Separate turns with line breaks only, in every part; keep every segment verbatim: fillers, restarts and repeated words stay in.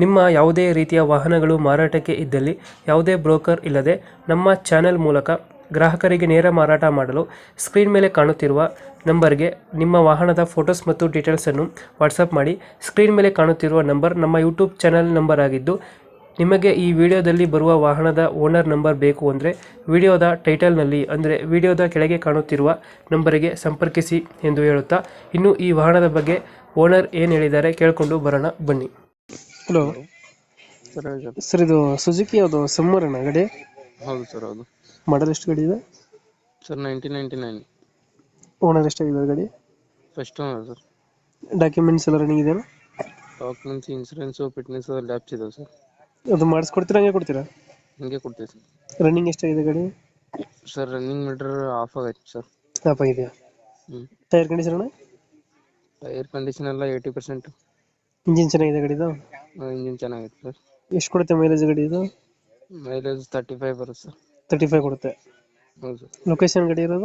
ನಿಮ್ಮ ಯಾವುದೇ ರೀತಿಯ ವಾಹನಗಳು ಮಾರಾಟಕ್ಕೆ ಇದ್ದಲ್ಲಿ ಯಾವುದೇ ಬ್ರೋಕರ್ ಇಲ್ಲದೆ ನಮ್ಮ ಚಾನೆಲ್ ಮೂಲಕ ಗ್ರಾಹಕರಿಗೆ ನೇರ ಮಾರಾಟ ಮಾಡಲು ಸ್ಕ್ರೀನ್ ಮೇಲೆ ಕಾಣುತ್ತಿರುವ ನಂಬರ್ಗೆ ನಿಮ್ಮ ವಾಹನದ ಫೋಟೋಸ್ ಮತ್ತು ಡೀಟೇಲ್ಸನ್ನು ವಾಟ್ಸಪ್ ಮಾಡಿ. ಸ್ಕ್ರೀನ್ ಮೇಲೆ ಕಾಣುತ್ತಿರುವ ನಂಬರ್ ನಮ್ಮ ಯೂಟ್ಯೂಬ್ ಚಾನೆಲ್ ನಂಬರ್ ಆಗಿದ್ದು, ನಿಮಗೆ ಈ ವಿಡಿಯೋದಲ್ಲಿ ಬರುವ ವಾಹನದ ಓನರ್ ನಂಬರ್ ಬೇಕು ಅಂದರೆ ವಿಡಿಯೋದ ಟೈಟಲ್ನಲ್ಲಿ ಅಂದರೆ ವಿಡಿಯೋದ ಕೆಳಗೆ ಕಾಣುತ್ತಿರುವ ನಂಬರಿಗೆ ಸಂಪರ್ಕಿಸಿ ಎಂದು ಹೇಳುತ್ತಾ, ಇನ್ನು ಈ ವಾಹನದ ಬಗ್ಗೆ ಓನರ್ ಏನು ಹೇಳಿದ್ದಾರೆ ಕೇಳಿಕೊಂಡು ಬರೋಣ ಬನ್ನಿ. ಹಲೋ
ಸರ್ ಹೇಳಿ ಸರ್.
ಸರ್, ಇದು ಸುಜುಕಿ ಯಾವುದು ಸಮ್ಮರನ ಗಾಡಿ?
ಹೌದು ಸರ್, ಹೌದು.
ಮಾಡಲ್ ಎಷ್ಟು ಗಾಡಿ ಇದೆ?
Sir nineteen ninety nine
owner ಎಷ್ಟಾಗಿದೆ ಗಾಡಿ?
First owner sir.
ಡಾಕ್ಯುಮೆಂಟ್ಸ್ ಎಲ್ಲ ರನ್ನಿಂಗ್ ಇದೆಯಾ?
ಡಾಕ್ಯುಮೆಂಟ್ಸ್, ಇನ್ಸೂರೆನ್ಸು, ಫಿಟ್ನೆಸ್ ಲ್ಯಾಬ್ಸ್ ಇದಾವೆ ಸರ್.
ಅದು ಮಾಡಿಸ್ಕೊಡ್ತೀರಾ ಹಂಗೆ ಕೊಡ್ತೀರಾ?
ಹಿಂಗೆ ಕೊಡ್ತೀವಿ ಸರ್.
ರನ್ನಿಂಗ್ ಎಷ್ಟಾಗಿದೆ ಗಾಡಿ?
ಸರ್ ರನ್ನಿಂಗ್ ಮೀಟರ್ ಆಫ್ ಆಗೈತೆ ಸರ್.
ಸ್ಟಾಪ್ ಆಗಿದೆಯಾ?
ಹ್ಞೂ.
ಟೈರ್ ಕಂಡೀಷನ್ ಅಣ್ಣ?
ಟೈರ್ ಕಂಡೀಷನ್ ಎಲ್ಲ ಏಯ್ಟಿ ಪರ್ಸೆಂಟ್.
ಇಂಜಿನ್ ಚೆನ್ನಾಗಿದೆ ಗಾಡಿದು?
ಇಂಜಿನ್ ಚೆನ್ನಾಗೈತೆ ಸರ್.
ಎಷ್ಟು ಕೊಡುತ್ತೆ ಮೈಲೇಜ್ ಗಾಡಿ ಇದು?
ಮೈಲೇಜ್ ತರ್ಟಿ ಫೈವ್ ಬರುತ್ತೆ ಸರ್.
ತರ್ಟಿ ಫೈವ್ ಕೊಡುತ್ತೆ.
ಹೌದು ಸರ್.
ಲೊಕೇಶನ್ ಗಾಡಿ ಇರೋದು?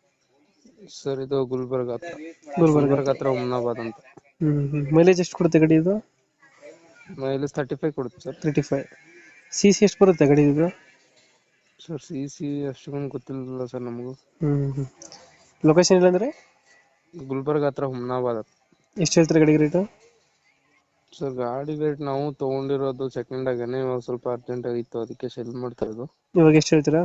ಸರ್ ಇದು ಗುಲ್ಬರ್ಗ ಹತ್ರ.
ಗುಲ್ಬರ್ಗ
ಗುಲ್ಬರ್ಗ ಹತ್ರ ಹುಮ್ನಾಬಾದ್ ಅಂತ.
ಹ್ಞೂ ಹ್ಞೂ ಮೈಲೇಜ್ ಎಷ್ಟು ಕೊಡುತ್ತೆ ಗಾಡಿ ಇದು?
ಮೈಲೇಜ್ ತರ್ಟಿ ಫೈವ್ ಕೊಡುತ್ತೆ sir.
Thirty five. C C ಎಷ್ಟು ಬರುತ್ತೆ ಗಾಡಿ ಇದು?
ಸರ್ ಸಿ ಸಿ ಅಷ್ಟೊಂದು ಗೊತ್ತಿಲ್ಲ ಸರ್ ನಮಗೂ.
ಹ್ಞೂ ಹ್ಞೂ ಲೊಕೇಶನ್ ಇಲ್ಲಾಂದರೆ?
ಗುಲ್ಬರ್ಗ ಹತ್ರ ಹುಮ್ನಾಬಾದ್ ಹತ್ರ.
ಎಷ್ಟು ಹೇಳ್ತಾರೆ ಗಾಡಿಗೆ ರೇಟು?
ಸರ್ ಗಾಡಿ ರೇಟ್ ನಾವು ತೊಗೊಂಡಿರೋದು ಸೆಕೆಂಡ್ ಆಗೇನೆ, ಇವಾಗ ಸ್ವಲ್ಪ ಅರ್ಜೆಂಟ್ ಆಗಿತ್ತು, ಅದಕ್ಕೆ ಸೆಲ್ ಮಾಡ್ತಾ ಇರೋದು.
ಇವಾಗ ಎಷ್ಟು ಹೇಳ್ತೀರಾ?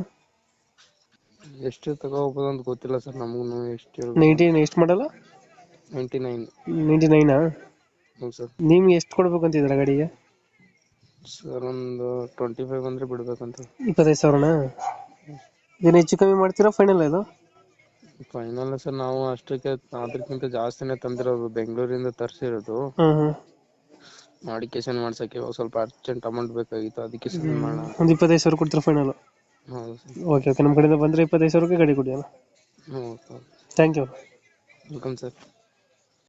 ಎಷ್ಟು ತಗೋಬೋದು ಅಂತ ಗೊತ್ತಿಲ್ಲ ಸರ್ ನಮಗೂ. ಎಷ್ಟು
ನೈನ್ಟೀನ್ ಎಷ್ಟು ಮಾಡಲ್ಲ?
Ninety nine.
ನೈಂಟಿ ನೈನಾ?
ಹೌದು ಸರ್.
ನಿಮ್ಗೆ ಎಷ್ಟು ಕೊಡ್ಬೇಕು ಅಂತಿದ್ದೀರಾ ಗಾಡಿಗೆ?
ಸರ್ ಒಂದು ಟ್ವೆಂಟಿ ಫೈವ್ ಅಂದರೆ ಬಿಡ್ಬೇಕಂತ.
ಇಪ್ಪತ್ತೈದು ಸಾವಿರನಾ? ಏನು ಹೆಚ್ಚು ಕಮ್ಮಿ ಮಾಡ್ತೀರಾ ಫೈನಲ್ ಇದು?
ಫೈನಲ್ ಸರ್ ನಾವು ಅಷ್ಟಕ್ಕೆ ಅದಕ್ಕಿಂತ ಜಾಸ್ತಿನೇ ತಂದಿರೋದು, ಬೆಂಗಳೂರಿಂದ ತರಿಸಿರೋದು.
ಹ್ಞೂ ಹ್ಞೂ
ಮಾಡಿಕೇಶನ್ ಮಾಡ್ಸೋಕ್ಕೆ ಇವಾಗ ಸ್ವಲ್ಪ ಅರ್ಜೆಂಟ್ ಅಮೌಂಟ್ ಬೇಕಾಗಿತ್ತು, ಅದಕ್ಕೆ ಸರ್ ಮಾಡೋಣ.
ಒಂದು ಇಪ್ಪತ್ತೈದು ಸಾವಿರ ಕೊಡ್ತೀರಾ ಫೈನಲ್?
ಹೌದು ಸರ್.
ಓಕೆ ಓಕೆ ನಮ್ಮ ಕಡೆಯಿಂದ ಬಂದರೆ ಇಪ್ಪತ್ತೈದು ಸಾವಿರಕ್ಕೆ ಗಾಡಿ ಕೊಡಿ ಅಣ್ಣ.
ಹ್ಞೂ sir.
Thank you.
Welcome sir.